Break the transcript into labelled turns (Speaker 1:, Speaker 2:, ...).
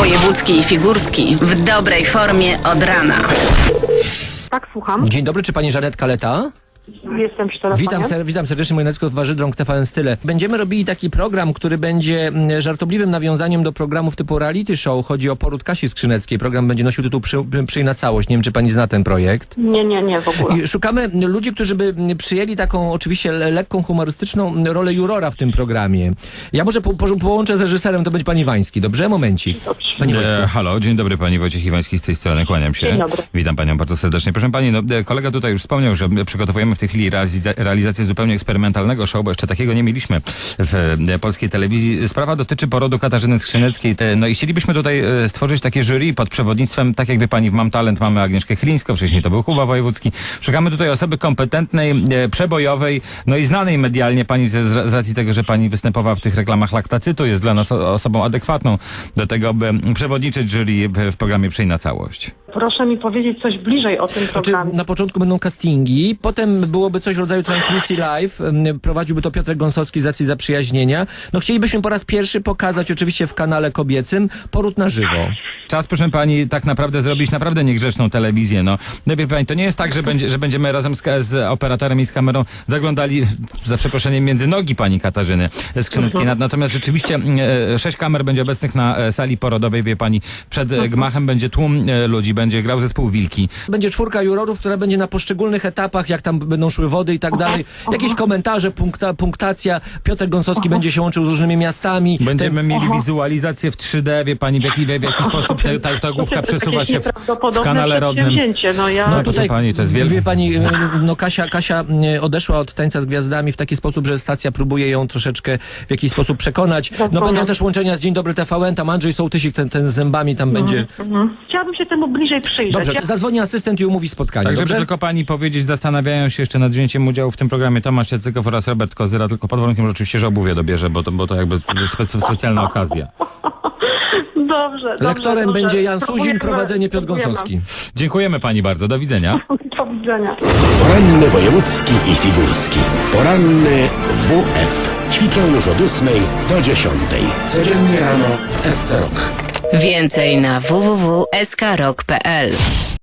Speaker 1: Wojewódzki i Figurski w dobrej formie od rana.
Speaker 2: Tak, słucham.
Speaker 3: Dzień dobry, czy pani Żanet Kaleta?
Speaker 2: Jestem przy telefonie.
Speaker 3: Witam serdecznie, moje nazwisko Warzydrąg, TVN Style. Będziemy robili taki program, który będzie żartobliwym nawiązaniem do programów typu reality show. Chodzi o poród Kasi Skrzyneckiej. Program będzie nosił tytuł Przyj na całość. Nie wiem, czy pani zna ten projekt.
Speaker 2: Nie, w ogóle.
Speaker 3: I szukamy ludzi, którzy by przyjęli taką oczywiście lekką, humorystyczną rolę jurora w tym programie. Ja może połączę z reżyserem, to będzie pani Wański. Dobrze? Momencik.
Speaker 2: Dobrze.
Speaker 3: Pani Wojtku.
Speaker 4: Halo, dzień dobry, pani Wojciech Iwański z tej strony, kłaniam się.
Speaker 2: Dzień dobry.
Speaker 4: Witam panią bardzo serdecznie. Proszę pani, kolega tutaj już wspomniał, że przygotowujemy w tej chwili realizację zupełnie eksperymentalnego show, bo jeszcze takiego nie mieliśmy w polskiej telewizji. Sprawa dotyczy porodu Katarzyny Skrzyneckiej. No i chcielibyśmy tutaj stworzyć takie jury pod przewodnictwem, tak jak wie pani, w Mam Talent mamy Agnieszkę Chylińską, wcześniej to był Kuba Wojewódzki. Szukamy tutaj osoby kompetentnej, przebojowej, no i znanej medialnie pani z racji tego, że pani występowała w tych reklamach laktacytu, jest dla nas osobą adekwatną do tego, by przewodniczyć jury w programie Przyj na całość.
Speaker 2: Proszę mi powiedzieć coś bliżej o tym
Speaker 3: Znaczy,
Speaker 2: programie.
Speaker 3: na początku będą castingi, potem byłoby coś w rodzaju transmisji live, prowadziłby to Piotr Gąsowski z racji zaprzyjaźnienia. No chcielibyśmy po raz pierwszy pokazać oczywiście w kanale kobiecym poród na żywo.
Speaker 4: Czas, proszę pani, tak naprawdę zrobić naprawdę niegrzeczną telewizję. No wie pani, to nie jest tak, że będziemy razem z operatorem i z kamerą zaglądali, za przeproszeniem, między nogi pani Katarzyny Skrzyneckiej. Natomiast rzeczywiście 6 kamer będzie obecnych na sali porodowej, wie pani. Przed gmachem będzie tłum ludzi, będzie grał zespół Wilki.
Speaker 3: Będzie 4 jurorów, która będzie na poszczególnych etapach, jak tam będą szły wody i tak dalej. Jakieś komentarze, punktacja. Piotr Gąsowski będzie się łączył z różnymi miastami.
Speaker 4: Będziemy mieli wizualizację w 3D, wie pani, w jaki sposób ta główka przesuwa się w kanale rodnym.
Speaker 2: No
Speaker 4: tutaj, pani, to jest wielkie.
Speaker 3: Wie pani, no Kasia odeszła od Tańca z Gwiazdami w taki sposób, że stacja próbuje ją troszeczkę w jakiś sposób przekonać. No będą też łączenia z Dzień Dobry TVN, tam Andrzej Sołtysik, ten z zębami tam będzie.
Speaker 2: Chciałabym się temu bliżej przyjrzeć.
Speaker 3: Dobrze, zadzwoni asystent i umówi spotkanie.
Speaker 4: Tak,
Speaker 3: dobrze?
Speaker 4: żeby tylko pani powiedzieć, zastanawiają się jeszcze nad wzięciem udziału w tym programie Tomasz Jacykow oraz Robert Kozyra, tylko pod warunkiem, że oczywiście, że obuwie dobierze, bo to jakby specjalna okazja.
Speaker 2: Dobrze.
Speaker 3: Lektorem będzie Jan Suzin, prowadzenie Piotr Gąsowski.
Speaker 4: Dziękujemy pani bardzo, do widzenia.
Speaker 2: Do widzenia.
Speaker 5: Poranny wojewódzki i figurski. Poranny WF. Ćwiczą już od 8 do 10. Codziennie rano w SC Rock.
Speaker 1: Więcej na www.skrok.pl.